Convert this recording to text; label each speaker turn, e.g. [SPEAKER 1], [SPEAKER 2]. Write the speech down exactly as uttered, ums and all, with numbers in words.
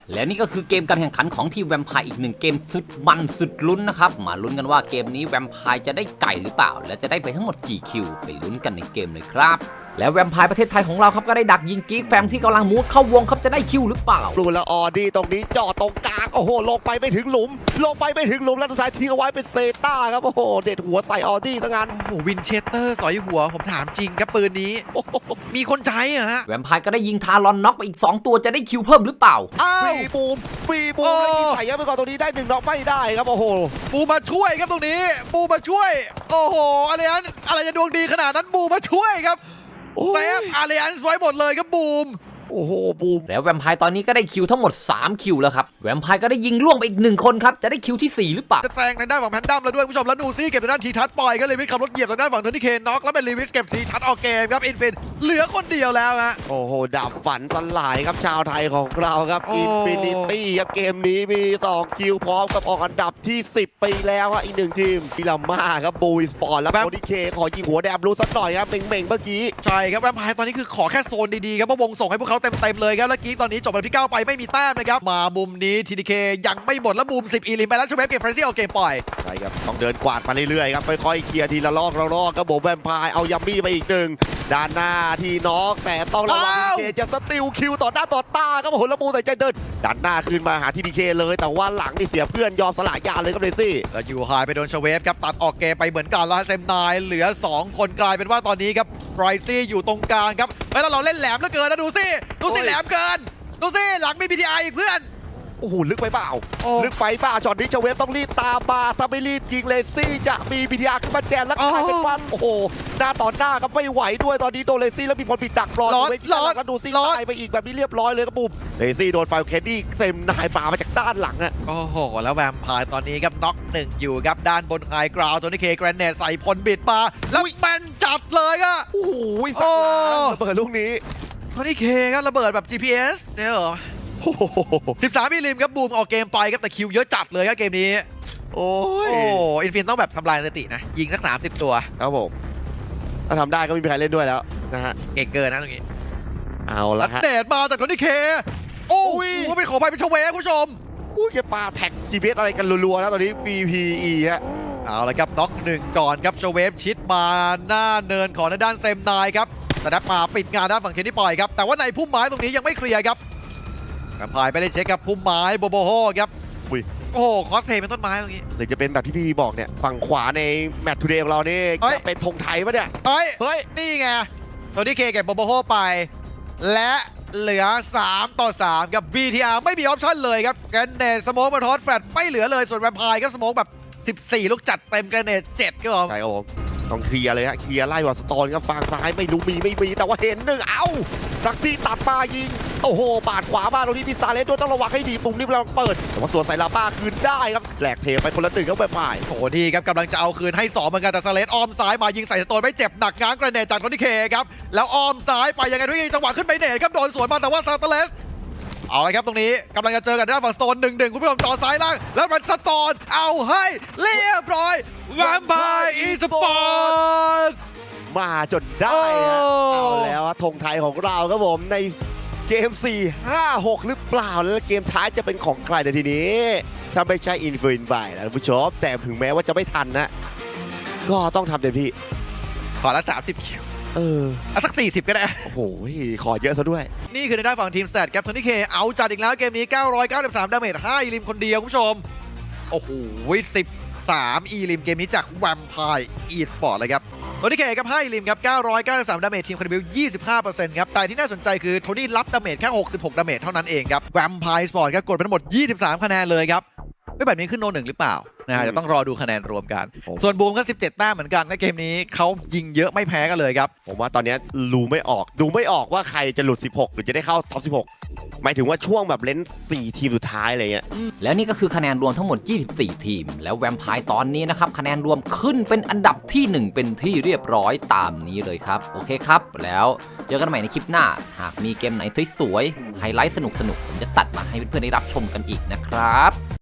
[SPEAKER 1] และนี่ก็คือเกมการแข่งขันของทีมแวมไพร์อีกหนึ่งเกมสุดมันสุดลุ้นนะครับมาลุ้นกันว่าเกมนี้แวมไพร์จะได้ไก่หรือเปล่าและจะได้ไปทั้งหมดกี่คิวไปลุ้นกันในเกมเลยครับแล้วแวมไพร์ประเทศไทยของเราครับก็ได้ดักยิงกิ๊กแฟมที่กำลังมูดเข้าวงครับจะได้คิวหรือเปล่า
[SPEAKER 2] บลูและออดี้ตรงนี้จ่อตรงกลางโอ้โหลงไปไม่ถึงหลุมลงไปไม่ถึงหลุมแล้วสุดท้ายทิ้งเอาไว้เป็นเซต้าครับโอ้โหเด็ดหัวใส่ออดี้ทั้งนั้น
[SPEAKER 3] โอ้โหวินเชสเตอร์สอยหัวผมถามจริงครับปืนนี้มีคนใช้เหรอฮะ
[SPEAKER 1] แวมไพร์ก็ได้ยิงทารอนน็อกไปอีกสองตัวจะได้คิวเพิ่มหรือเปล่า
[SPEAKER 3] อ้าว
[SPEAKER 2] ปีบูมปีบูมแล้วยิงใส่ยับไปก่อนตรงนี้ได้หนึ่งน็อกไม่ได้ครับโอ้โห
[SPEAKER 3] บูมาช่วยครับตรงนี้บูมาช่วยโอ้โหอะไรนั้นอะไรจะดวงดีขนาดนั้นบูมาช่วยครับเซฟอารีอันส์ไว้หมดเลยครับบูม
[SPEAKER 2] โอ้โหบูม
[SPEAKER 1] แล้วแวมไพร์ตอนนี้ก็ได้คิวทั้งหมดสามคิวแล้วครับแวมไพร์ก็ได้ยิงล่วงไปอีกหนึ่งคนครับจะได้คิวที่สี่หรือเปล่า
[SPEAKER 3] จะแซงในด้านฝั่งแพนดัมแล้วด้วยผู้ชมแล้วนูซี่เก็บทางด้านทีทัศปล่อยก็เลยวิทขับรถเหยียบทางด้านฝั่งเทอร์นี่เคนน็อกแล้วเป็นลีวิสเก็บทีทัศออกเกมครับอินฟินเหลือคนเดียวแล้วฮะ
[SPEAKER 2] โอ้โหดับฝันสลายครับชาวไทยของเราครับอินฟินิตี้ครับเกมนี้มีสองคิวพร้อมกับออกอันดับที่สิบไปแล้วฮะอีกหนึ่งทีมพิลาม่าครับบูสปอร์ตแล้วโคดิเคขอยิงหัวแดมรู้สักหน่อยครับเม่งๆเมื่อกี้
[SPEAKER 3] ใช่ครับแวมไพร์ตอนนี้คือขอแค่โซนดีๆครับเพราะวงส่งให้พวกเขาเต็มๆเลยครับแล้วกี้ตอนนี้จบอันดับที่เก้าไปไม่มีแต้มนะครับมามุมนี้ ที ดี เค ยังไม่หมดแล้วมุมสิบอีลิมไปแล้วชูเวฟเก็บเฟรนซี่เอาเกมปล่อย
[SPEAKER 2] ใช่ครับต้องเดินกวาดมาเรื่อยๆครับค่อยๆเคลียร์ทีละลอกละลอกครับผมแวมไพร์เอายัมมี่ไปอีกหนึ่งด้านหน้าที่น็อกแต่ต้องระวังที ดี เค จะสติลคิวต่อหน้าต่อตาครับผมแล้วบูแต่ใจเดินด้านหน้าขึ้นมาหา ที ดี เค เลยแต่ว่าหลังนี่เสียเพื่อนยอมสละยาเลยครับเรซี่
[SPEAKER 3] แล้วยูไฮไปโดนชเวฟครับตัดออกเกมไปเหมือนกันแล้วเซมนายเหลือสองคนกลายเป็นว่าตอนนี้ครับไรซี่อยู่ตรงกลางครับแล้วเราเล่นแหลมเหลือเกินนะดูสิดูสิแหลมเกินดูสิหลังมี บี ที ไอ อีกเพื่อน
[SPEAKER 2] โอ้โหลึกไปเปล่าลึกไปเปล่าช็อตนี้เชเวฟต้องรีบตามมาถ้าไม่รีบยิงเลซี่จะมีบีทีอาร์ขึ้นมาแจนแล้วกลายเป็นวันโอ้โหหน้าต่อหน้าก็ไม่ไหวด้วยตอนนี้โดนเลซี่แล้วมีคนปิดดักรอเวฟแล้วก็ดูซี่ตายไปอีกแบบนี้เรียบร้อยเลยครับปุ๊บเลซี่โดนไฟแคนดี้เซมนายป่ามาจากด้านหลังอะ
[SPEAKER 3] โอ้โหแล้วแวมไพร์ตอนนี้ครับน็อกหนึ่งอยู่ครับด้านบนไฮกราวตัวนี้เคแกรนเนตใส่พลบิดมาแล้วแมนจัดเลยอะ
[SPEAKER 2] โอ้โหสักระเบิดลูกนี้
[SPEAKER 3] ตัวนี้เคครับระเบิดแบบ จี พี เอส เนี่ยเหรอสิบสามมิลลิมครับบูมออกเกมไปครับแต่คิวเยอะจัดเลยครับเกมนี้
[SPEAKER 2] โอ้ย
[SPEAKER 3] อินฟินต้องแบบทำลายสถิตินะยิงสักสามสิบตัว
[SPEAKER 2] ครับผมถ้าทำได้ก็ไม่มีใครเล่นด้วยแล้วนะฮะ
[SPEAKER 3] เก่งเกินนะตรงนี้
[SPEAKER 2] เอาละฮะ
[SPEAKER 3] เดดมาจากคนที่เคโอ้ยไปขอไปเป็นชเวคุณผู้ชม
[SPEAKER 2] อุ้ยแกปาแท็ก จี พี เอส อะไรกันรัวๆนะตอนนี้ บี พี อี ฮะ
[SPEAKER 3] เอาละครับน็อกหนึ่งก่อนครับชเวฟชิดมาหน้าเนินของด้านเซมนายครับแต่นัดมาปิดงานด้านฝั่งเคนที่ปล่อยครับแต่ว่าในพุ่มไม้ตรงนี้ยังไม่เคลียร์ครับแวมไพร์ไปได้เช็คครับพุ่มไม้โบโบโฮครับโอ้โหคอสเพย์เป็นต้นไม้ตรงนี้
[SPEAKER 2] หรือจะเป็นแบบที่พี่บอกเนี่ยฝั่งขวาในแมตช์ทูเดย์ของเรานี่จะเป็นธงไทยปะเนี่ย
[SPEAKER 3] เฮ้ยเฮ้ยนี่ไงตัวที่เคเก็บโบโบโฮไปและเหลือสามต่อสามกับ บี ที อาร์ ไม่มีออปชั่นเลยครับแกรนเนตสโมกมาทอสแฟลตไม่เหลือเลยส่วนแวมไพร์ครับสโมกแบบสิบสี่ลูกจัดเต็มแกรนเนตเจ็ดครับผม
[SPEAKER 2] ใช่ครับผมต้องเคลียร์เลยฮะเคลียร์ไล่วอสตอนครับฝั่งซ้ายไม่รู้มีไม่มีแต่ว่าเห็นหนึ่งเอ้าซักซี่ตัดมายิงโอ้โหปาดขวามาตรงนี้พิซาเลสด้วยต้องระวังให้ดีปุ่มนี้เราเปิดแต่ว่าส่วนใส่ลาป้าคืนได้ครับแหลกเทไปคนละหนึ่งครับแบบใหม่
[SPEAKER 3] โอ้ดีครับกำลังจะเอาคืนให้สองเหมือนกันแต่ซาเลสอ้อมซ้ายมายิงใส่สโตนไม่เจ็บหนักง้างกระเนตจากคนที่เคครับแล้วอ้อมซ้ายไปยังไงทุกทีจังหวะขึ้นไปเนตครับโดนสวนมาแต่ว่าซาตเลสเอาละครับตรงนี้กำลังจะเจอกันด้านฝั่งสโตนหนึ่งหนึ่งคุณผู้ชมจอซ้ายล่างแล้วมันสโตนเอาให้เรียบร้อยแวมไพร์อีสปอร์ต
[SPEAKER 2] มาจนได้เอาแล้วธงไทยของเราครับผมในเกมสี่ ห้า หกหรือเปล่าแล้วเกมท้ายจะเป็นของใครในทีนี้ถ้าไม่ใช่อินฟินไปนะคุณผู้ชมแต่ถึงแม้ว่าจะไม่ทันนะก็ต้องทำเต็มที่
[SPEAKER 3] ขอละสามสิบคิว
[SPEAKER 2] เออ
[SPEAKER 3] เอาสักสี่สิบก็ได้
[SPEAKER 2] โอ้โหขอเยอะซะด้วย
[SPEAKER 3] นี่คือในด้านฝั่งทีมสแตทครับโทนี่เคเอาจัดอีกแล้วเกมนี้เก้าร้อยเก้าสิบสามดาเมจห้าอีลิมคนเดียวคุณผู้ชมโอ้โหสิบสามอีลิมเกมนี้จากแวมไพร์อีสปอร์ตเลยครับโทนี่เคครับให้ลิมครับเก้าร้อยเก้าสิบสามดาเมจทีมคาร์บิล ยี่สิบห้าเปอร์เซ็นต์ ครับแต่ที่น่าสนใจคือโทนี่รับดาเมจแค่หกสิบหกดาเมจเท่านั้นเองครับแวมไพร์สปอร์ตก็กดไปทั้งหมดยี่สิบสามคะแนนเลยครับไม่แบบนี้ขึ้นโนหนึ่งหรือเปล่านะจะต้องรอดูคะแนนรวมกันส่วนบูมก็สิบเจ็ดแต้มเหมือนกันในเกมนี้เขายิงเยอะไม่แพ้กันเลยครับ
[SPEAKER 2] ผมว่าตอนนี้รู้ไม่ออกดูไม่ออกว่าใครจะหลุดสิบหกหรือจะได้เข้าท็อปสิบหกหมายถึงว่าช่วงแบบเล่นสี่ทีมสุดท้ายอะไรเงี้ย
[SPEAKER 1] แล้วนี่ก็คือคะแนนรวมทั้งหมดยี่สิบสี่ทีมแล้วแวมไพร์ตอนนี้นะครับคะแนนรวมขึ้นเป็นอันดับที่หนึ่งเป็นที่เรียบร้อยตามนี้เลยครับโอเคครับแล้วเจอกันใหม่ในคลิปหน้าหากมีเกมไหนสวยๆไฮไลท์สนุกๆผมจะตัดมาให้เพื่อนๆได้รับชมกันอีกนะครับ